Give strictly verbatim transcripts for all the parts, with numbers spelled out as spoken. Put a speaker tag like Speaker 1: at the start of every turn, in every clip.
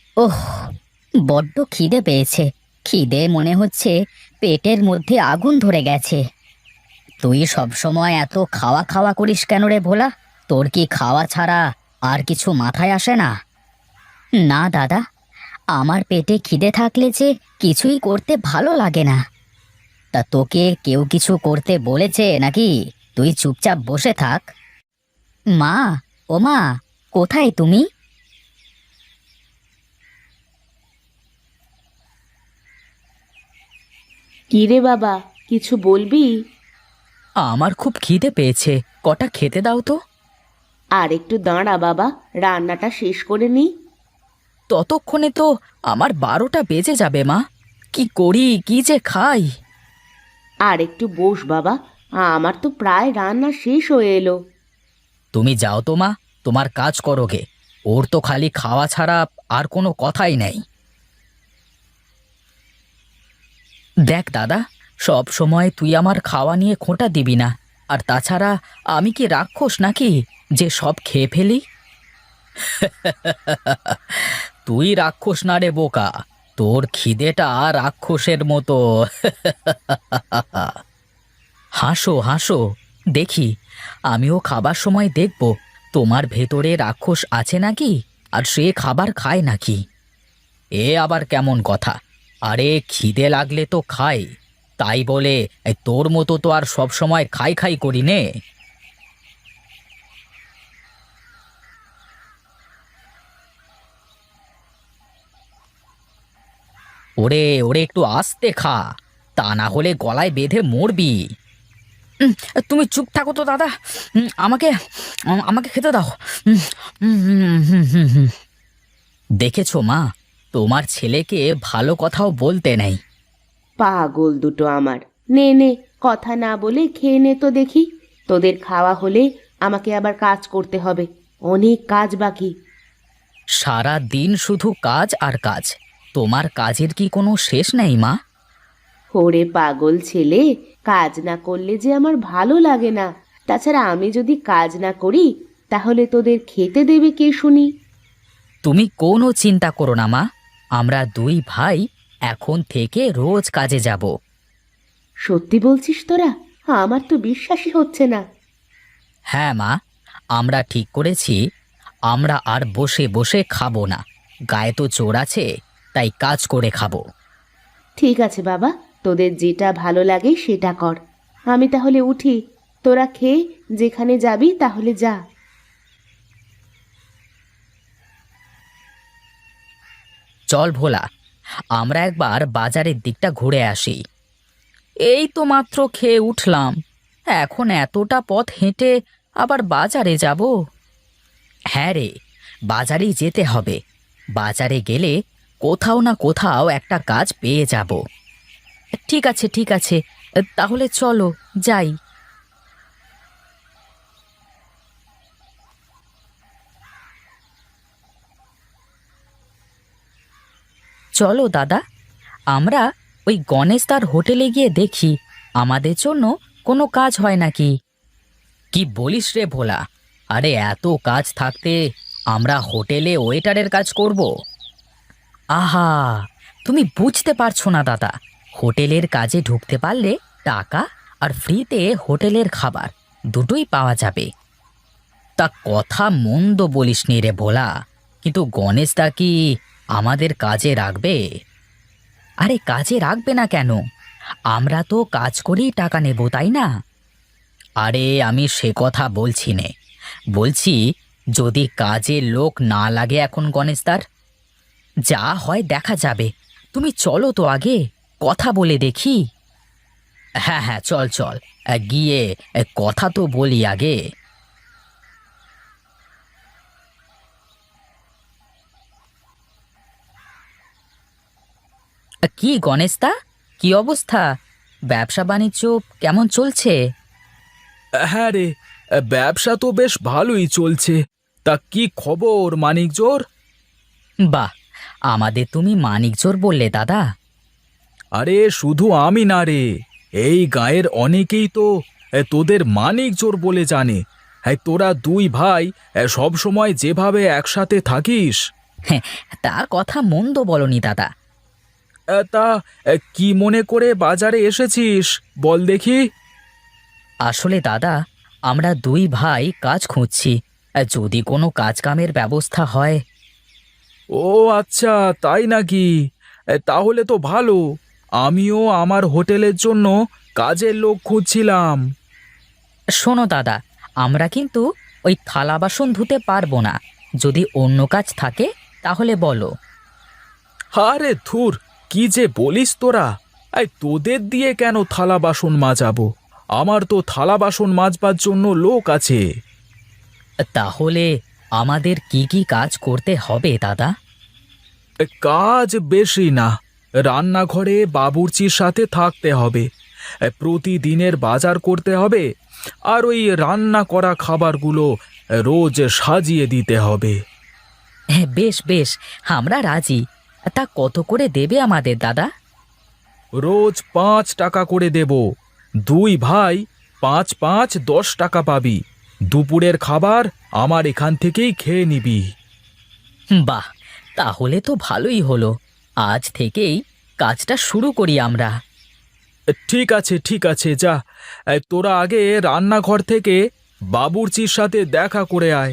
Speaker 1: ওহ, বড্ড খিদে পেয়েছে। খিদে মনে হচ্ছে পেটের মধ্যে আগুন ধরে গেছে। তুই সব সময় এত খাওয়া খাওয়া করিস কেন রে ভোলা? তোর কি খাওয়া ছাড়া আর কিছু মাথায় আসে না? না দাদা, আমার পেটে খিদে থাকলে যে কিছুই করতে ভালো লাগে না। তা তোকে কেউ কিছু করতে বলেছে নাকি? তুই চুপচাপ বসে থাক। মা, ও মা, কোথায় তুমি?
Speaker 2: কি রে বাবা, কিছু বলবি?
Speaker 1: আমার খুব খিদে পেয়েছে, কটা খেতে দাও তো।
Speaker 2: আর একটু দাঁড়া বাবা, রান্নাটা শেষ করে নি।
Speaker 1: ততক্ষণে তো আমার বারোটা বেজে যাবে মা। কি করি, কি যে খাই।
Speaker 2: আর একটু বস বাবা, আমার তো প্রায় রান্না শেষ হয়ে এলো।
Speaker 1: তুমি যাও তো মা, তোমার কাজ করো গে। ওর তো খালি খাওয়া ছাড়া আর কোনো কথাই নেই। দেখ দাদা, সব সময় তুই আমার খাওয়া নিয়ে খোঁটা দিবি না। আর তাছাড়া আমি কি রাক্ষস নাকি যে সব খেয়ে ফেলি? তুই রাক্ষস না রে বোকা, তোর খিদেটা রাক্ষসের মতো। হাসো হাসো, দেখি আমিও খাবার সময় দেখব তোমার ভেতরে রাক্ষস আছে নাকি, আর সে খাবার খায় নাকি। এ আবার কেমন কথা? আরে খিদে লাগলে তো খাই, তাই বলে এই তোর মতো তো আর সব সময় খাই খাই করি নে। ওরে ওরে, একটু আস্তে খা, তা না হলে গলায় বেঁধে মরবি। উম, তুমি চুপ থাকো তো দাদা। উম, আমাকে আম- আমাকে খেতে দাও। উম, উম, হুম, হুম, হুম, হুম। দেখেছো মা, তোমার ছেলেকে ভালো কথাও বলতে নেই।
Speaker 2: পাগল দুটো আমার। নে নে, কথা না বলে খেয়ে নে তো দেখি। তোদের খাওয়া হলে আমাকে আবার কাজ করতে হবে, অনেক কাজ বাকি।
Speaker 1: সারা দিন শুধু কাজ আর কাজ, তোমার কাজের কি কোনো শেষ নেই মা?
Speaker 2: ওরে পাগল ছেলে, কাজ না করলে যে আমার ভালো লাগে না। তাছাড়া আমি যদি কাজ না করি তাহলে তোদের খেতে দেবে কে শুনি?
Speaker 1: তুমি কোনো চিন্তা করো না মা, আমরা দুই ভাই এখন থেকে রোজ কাজে যাব।
Speaker 2: সত্যি বলছিস তোরা? আমার তো বিশ্বাসই হচ্ছে না।
Speaker 1: হ্যাঁ মা, আমরা ঠিক করেছি, আমরা আর বসে বসে খাবো না। গায়ে তো জোর আছে, তাই কাজ করে খাবো।
Speaker 2: ঠিক আছে বাবা, তোদের যেটা ভালো লাগে সেটা কর। আমি তাহলে উঠি, তোরা খেয়ে যেখানে যাবি তাহলে যা।
Speaker 1: চল ভোলা, আমরা একবার বাজারের দিকটা ঘুরে আসি। এই তো মাত্র খেয়ে উঠলাম, এখন এতটা পথ হেঁটে আবার বাজারে যাব। হ্যাঁ রে, বাজারেই যেতে হবে। বাজারে গেলে কোথাও না কোথাও একটা কাজ পেয়ে যাব। ঠিক আছে ঠিক আছে, তাহলে চলো যাই। চলো দাদা, আমরা ওই গণেশ তার হোটেলে গিয়ে দেখি আমাদের জন্য কোনো কাজ হয় নাকি। কি বলিস রে ভোলা? আরে এত কাজ থাকতে আমরা হোটেলে ওয়েটারের কাজ করব? আহা, তুমি বুঝতে পারছো না দাদা। হোটেলের কাজে ঢুকতে পারলে টাকা আর ফ্রিতে হোটেলের খাবার দুটোই পাওয়া যাবে। তা কথা মন্দ বলিস নি রে ভোলা, কিন্তু গণেশ দা কি আমাদের কাজে রাখবে? আরে কাজে রাখবে না কেন? আমরা তো কাজ করেই টাকা নেব, তাই না? আরে আমি সে কথা বলছি নে, বলছি যদি কাজে লোক না লাগে এখন গণেশদার, যা হয় দেখা যাবে। তুমি চলো তো আগে, কথা বলে দেখি। হ্যাঁ হ্যাঁ, চল চল, আহ, গিয়ে আহ, কথা তো বলি আগে। আহ, কি গণেশদা, কি অবস্থা? ব্যবসা বাণিজ্য কেমন চলছে?
Speaker 3: হ্যাঁ রে, ব্যবসা তো বেশ ভালোই চলছে। তা কি খবর মানিকজোর?
Speaker 1: বাহ, আমাদের তুমি মানিকজোর বললে দাদা।
Speaker 3: আরে শুধু আমি না রে, এই গাঁয়ের অনেকেই তো এ, তোদের মানিকজোর বলে জানে। হ্যাঁ, তোরা দুই ভাই সব সময় যেভাবে একসাথে থাকিস,
Speaker 1: হ্যাঁ, তা কথা মন্দ বলনি দাদা।
Speaker 3: এ, তা এ, কি মনে করে বাজারে এসেছিস বল দেখি।
Speaker 1: আসলে দাদা, আমরা দুই ভাই কাজ খুঁজছি। যদি কোনো কাজ কামের ব্যবস্থা হয়।
Speaker 3: ও আচ্ছা, তাই নাকি? এ, তাহলে তো ভালো। আমিও আমার হোটেলের জন্য কাজের লোক খুঁজছিলাম।
Speaker 1: শোনো দাদা, আমরা কিন্তু ওই থালা বাসন ধুতে পারবো না। যদি অন্য কাজ থাকে তাহলে বলো।
Speaker 3: আরে ধুর, কি যে বলিস তোরা! এই তোদের দিয়ে কেন থালা বাসন মাজাবো? আমার তো থালা বাসন মাজবার জন্য লোক আছে।
Speaker 1: তাহলে আমাদের কি কি কাজ করতে হবে দাদা?
Speaker 3: এ, কাজ বেশি না। রান্নাঘরে বাবুর্চির সাথে থাকতে হবে, এ, প্রতিদিনের বাজার করতে হবে, আর ওই রান্না করা খাবারগুলো রোজ সাজিয়ে দিতে হবে।
Speaker 1: হ্যাঁ, বেশ বেশ, আমরা রাজি। তা কত করে দেবে আমাদের দাদা?
Speaker 3: রোজ পাঁচ টাকা করে দেব। দুই ভাই পাঁচ পাঁচ দশ টাকা পাবি। দুপুরের খাবার আমার এখান থেকেই খেয়ে নিবি।
Speaker 1: বাহ, তাহলে তো ভালোই হলো। আজ থেকেই কাজটা শুরু করি আমরা।
Speaker 3: ঠিক আছে ঠিক আছে, যা। এ, তোরা আগে রান্নাঘর থেকে বাবুর্চির সাথে দেখা করে আয়।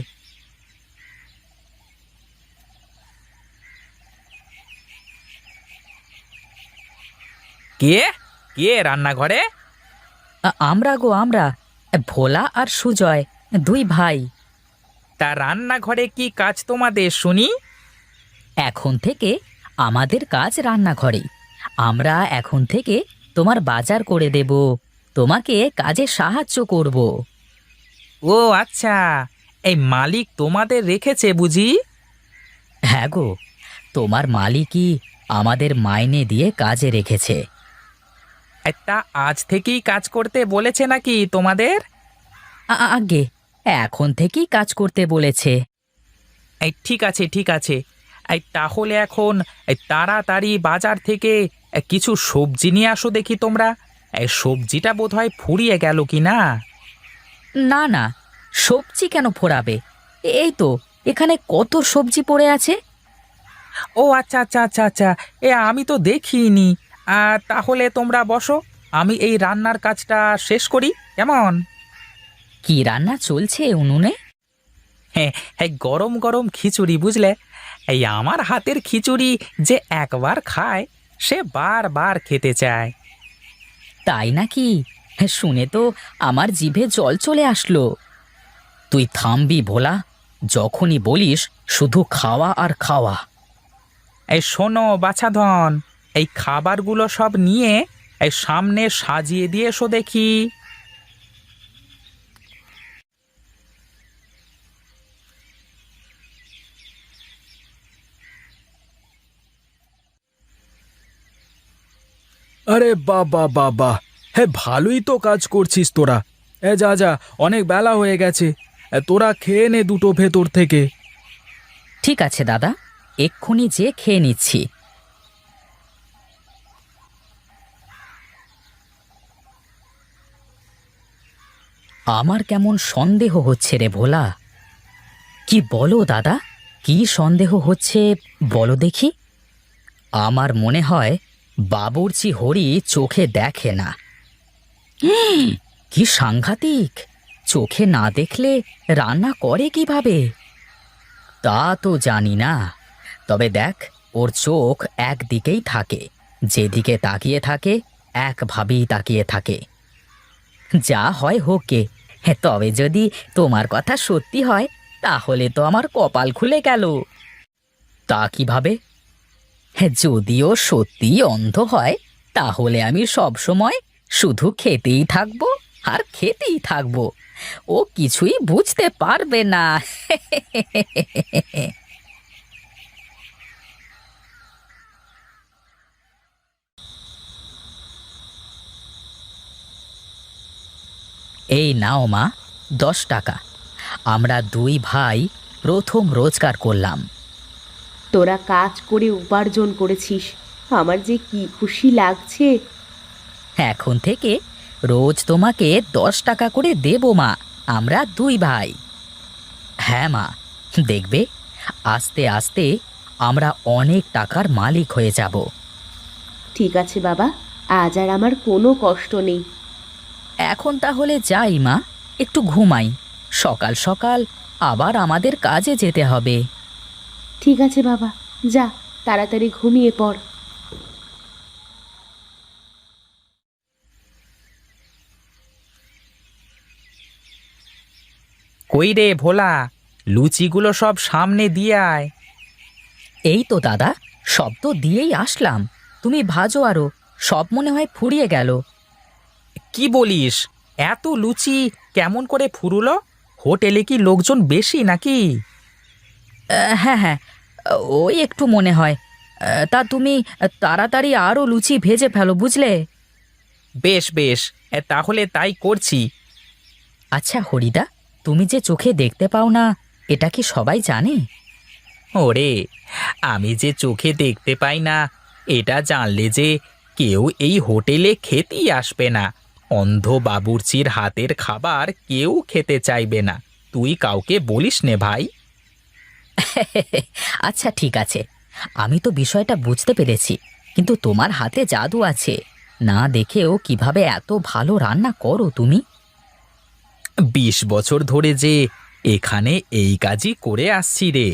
Speaker 4: কে কে রান্নাঘরে?
Speaker 1: আ- আমরা গো আমরা, ভোলা আর সুজয়, দুই ভাই।
Speaker 4: তা রান্নাঘরে কি কাজ তোমাদের শুনি?
Speaker 1: এখন থেকে আমাদের কাজ রান্নাঘরেই। আমরা এখন থেকে তোমার বাজার করে দেব, তোমাকে কাজে সাহায্য করব।
Speaker 4: ও আচ্ছা, এই মালিক তোমাদের রেখেছে বুঝি?
Speaker 1: হ্যাঁ গো, তোমার মালিকই আমাদের মাইনে দিয়ে কাজে রেখেছে।
Speaker 4: এই তা আজ থেকেই কাজ করতে বলেছে নাকি তোমাদের?
Speaker 1: আ- আ- আগে এখন থেকেই কাজ করতে বলেছে।
Speaker 4: এই ঠিক আছে ঠিক আছে। এই তাহলে এখন এই তাড়াতাড়ি বাজার থেকে এ, কিছু সবজি নিয়ে আসো দেখি তোমরা। এই সবজিটা বোধহয় ফুরিয়ে গেল কি না?
Speaker 1: না না, সবজি কেন ফোরাবে? এই তো এখানে কত সবজি পড়ে আছে।
Speaker 4: ও আচ্ছা আচ্ছা আচ্ছা আচ্ছা, এ আমি তো দেখিনি। আর তাহলে তোমরা বসো, আমি এই রান্নার কাজটা শেষ করি, কেমন?
Speaker 1: কি রান্না চলছে উনুনে?
Speaker 4: হ্যাঁ হ্যাঁ, গরম গরম খিচুড়ি বুঝলে। এই আমার হাতের খিচুড়ি যে একবার খায় সে বারবার খেতে চায়।
Speaker 1: তাই নাকি? শুনে তো আমার জিভে জল চলে আসলো। তুই থামবি ভোলা, যখনই বলিস শুধু খাওয়া আর খাওয়া।
Speaker 4: এই শোনো বাছাধন, এই খাবারগুলো সব নিয়ে এই সামনে সাজিয়ে দিয়ে এসো দেখি।
Speaker 3: আরে বাবা বাবা, হ্যাঁ ভালোই তো কাজ করছিস তোরা। এ যা যা, অনেক বেলা হয়ে গেছে। এ, তোরা খেয়ে নে দুটো ভেতর থেকে।
Speaker 1: ঠিক আছে দাদা, এক্ষুনি যে খেয়ে নিচ্ছি। আমার কেমন সন্দেহ হচ্ছে রে ভোলা। কি বলো দাদা, কি সন্দেহ হচ্ছে বলো দেখি। আমার মনে হয় বাবুর্চি হরি চোখে দেখে না। হুম, কি সাংঘাতিক! চোখে না দেখলে রান্না করে কিভাবে? তা তো জানি না, তবে দেখ, ওর চোখ একদিকেই থাকে, যেদিকে তাকিয়ে থাকে একভাবেই তাকিয়ে থাকে। যা হয় হোক গে, তবে যদি তোমার কথা সত্যি হয় তাহলে তো আমার কপাল খুলে গেল। তা কিভাবে? যদিও সত্যি অন্ধ হয় তাহলে আমি সব সময় শুধু খেতেই থাকবো আর খেতেই থাকবো, ও কিছুই বুঝতে পারবে না। এই নাও মা, দশ টাকা। আমরা দুই ভাই প্রথম রোজগার করলাম।
Speaker 2: তোরা কাজ করে উপার্জন করেছিস, আমার যে কি খুশি লাগছে।
Speaker 1: এখন থেকে রোজ তোমাকে দশ টাকা করে দেব মা, আমরা দুই ভাই। হ্যাঁ মা, দেখবে আস্তে আস্তে আমরা অনেক টাকার মালিক হয়ে যাব।
Speaker 2: ঠিক আছে বাবা, আজ আর আমার কোনো কষ্ট নেই।
Speaker 1: এখন তাহলে যাই মা, একটু ঘুমাই। সকাল সকাল আবার আমাদের কাজে যেতে হবে।
Speaker 2: ঠিক আছে বাবা, যা তাড়াতাড়ি ঘুমিয়ে পড়।
Speaker 4: কই রে ভোলা, লুচিগুলো সব সামনে দিয়ে আয়।
Speaker 1: এই তো দাদা, সব তো দিয়েই আসলাম। তুমি ভাজো আরো, সব মনে হয় ফুরিয়ে গেল।
Speaker 4: কি বলিস, এত লুচি কেমন করে ফুরুলো? হোটেলে কি লোকজন বেশি নাকি?
Speaker 1: আহ, হ্যাঁ হ্যাঁ, ওই একটু মনে হয়। আহ, তা তুমি তাড়াতাড়ি আরও লুচি ভেজে ফেলো, বুঝলে?
Speaker 4: বেশ বেশ, এ, তাহলে তাই করছি।
Speaker 1: আচ্ছা হরিদা, তুমি যে চোখে দেখতে পাও না, এটা কি সবাই জানে?
Speaker 4: ওরে, আমি যে চোখে দেখতে পাই না এটা জানলে যে কেউ এই হোটেলে খেতেই আসবে না। অন্ধ বাবুর্চির হাতের খাবার কেউ খেতে চাইবে না। তুই কাউকে বলিস নে ভাই।
Speaker 1: আচ্ছা ঠিক আছে, আমি তো বিষয়টা বুঝতে পেরেছি, কিন্তু তোমার হাতে জাদু আছে। না দেখেও কিভাবে এত ভালো রান্না করো তুমি?
Speaker 4: বিশ বছর ধরে যে এখানে এই কাজই করে আসছি রে।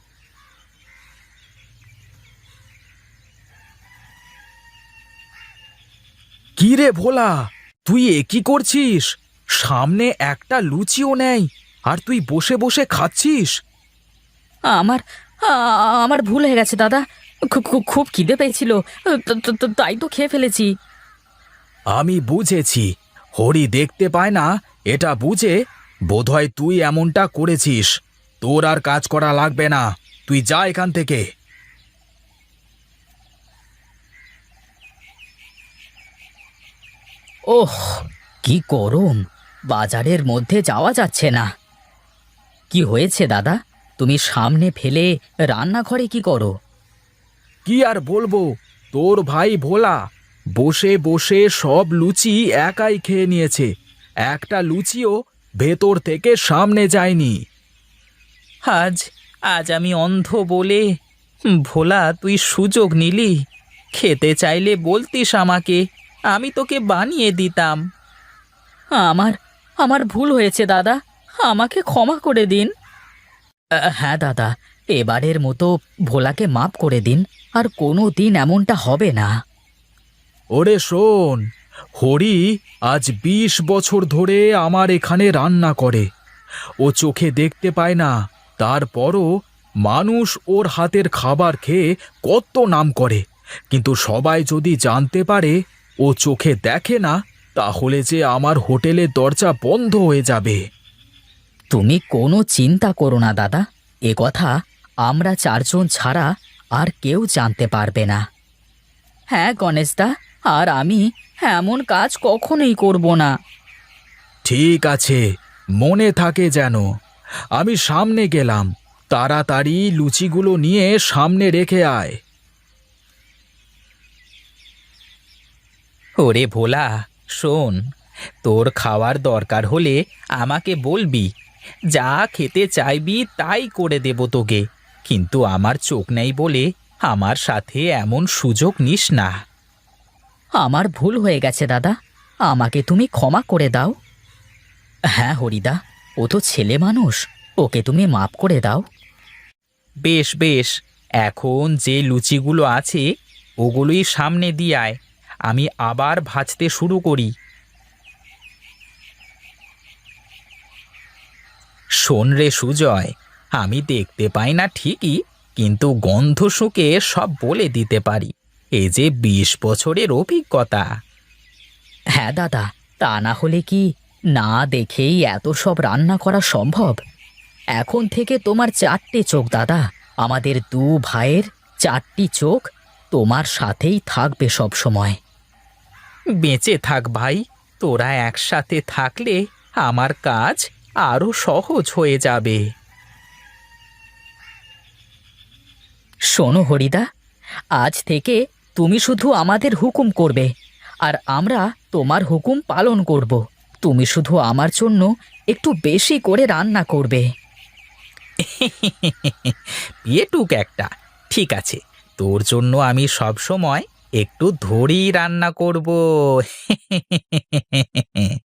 Speaker 3: কি রে ভোলা, তুই এ কি করছিস? সামনে একটা লুচিও নেই, আর তুই বসে বসে খাচ্ছিস।
Speaker 1: আমার আ- আমার ভুল হয়ে গেছে দাদা। খু- খু- খুব খিদে পেয়েছিল, তো- তো- তো- তাই তো খেয়ে ফেলেছি।
Speaker 3: আমি বুঝেছি, হরি দেখতে পায় না এটা বুঝে বোধহয় তুই এমনটা করেছিস। তোর আর কাজ করা লাগবে না, তুই যা এখান থেকে।
Speaker 1: ওহ, কি গরম! বাজারের মধ্যে যাওয়া যাচ্ছে না। কি হয়েছে দাদা, তুমি সামনে ফেলে রান্নাঘরে কি করো?
Speaker 3: কি আর বলবো, তোর ভাই ভোলা বসে বসে সব লুচি একাই খেয়ে নিয়েছে। একটা লুচিও ভেতর থেকে সামনে যায়নি।
Speaker 4: আজ আজ আমি অন্ধ বলে, ভোলা তুই সুযোগ নিলি। খেতে চাইলে বলতিস আমাকে, আমি তোকে বানিয়ে দিতাম।
Speaker 1: আমার আমার ভুল হয়েছে দাদা, আমাকে ক্ষমা করে দিন। আহ, হ্যাঁ দাদা, এবারের মতো ভোলাকে মাপ করে দিন, আর কোনো দিন এমনটা হবে না।
Speaker 3: ওরে শোন, হরি আজ বিশ বছর ধরে আমার এখানে রান্না করে। ও চোখে দেখতে পায় না, তারপরও মানুষ ওর হাতের খাবার খেয়ে কত নাম করে। কিন্তু সবাই যদি জানতে পারে ও চোখে দেখে না, তাহলে যে আমার হোটেলের দরজা বন্ধ হয়ে যাবে।
Speaker 1: তুমি কোনো চিন্তা করো না দাদা, এ কথা আমরা চারজন ছাড়া আর কেউ জানতে পারবে না। হ্যাঁ গণেশদা, আর আমি এমন কাজ কখনোই করব না।
Speaker 3: ঠিক আছে, মনে থাকে যেন। আমি সামনে গেলাম, তাড়াতাড়ি লুচিগুলো নিয়ে সামনে রেখে আয়।
Speaker 4: ওরে ভোলা, শোন, তোর খাওয়ার দরকার হলে আমাকে বলবি। যা খেতে চাইবি তাই করে দেব তোকে। কিন্তু আমার চোখ নেই বলে আমার সাথে এমন সুযোগ নিস না।
Speaker 1: আমার ভুল হয়ে গেছে দাদা, আমাকে তুমি ক্ষমা করে দাও। হ্যাঁ হরিদা, ও তো ছেলে মানুষ, ওকে তুমি মাপ করে দাও।
Speaker 4: বেশ বেশ, এখন যে লুচিগুলো আছে ওগুলোই সামনে দিয়ে আয়, আমি আবার ভাজতে শুরু করি। শোন রে সুজয়, আমি দেখতে পাই না ঠিকই, কিন্তু গন্ধ শুঁকে সব বলে দিতে পারি। এই যে বিশ বছরের অভিজ্ঞতা।
Speaker 1: হ্যাঁ দাদা, তা না হলে কি না দেখেই এত সব রান্না করা সম্ভব? এখন থেকে তোমার চারটে চোখ দাদা, আমাদের দু ভাইয়ের চারটি চোখ তোমার সাথেই থাকবে সব সময়।
Speaker 4: বেঁচে থাক ভাই, তোরা একসাথে থাকলে আমার কাজ আরো সহজ হয়ে যাবে।
Speaker 1: শোনো হরিদা, আজ থেকে তুমি শুধু আমাদের হুকুম করবে, আর আমরা তোমার হুকুম পালন করব। তুমি শুধু আমার জন্য একটু বেশি করে রান্না করবে।
Speaker 4: পেটুক একটা, ঠিক আছে, তোর জন্য আমি সব সময় একটু ধরেই রান্না করব।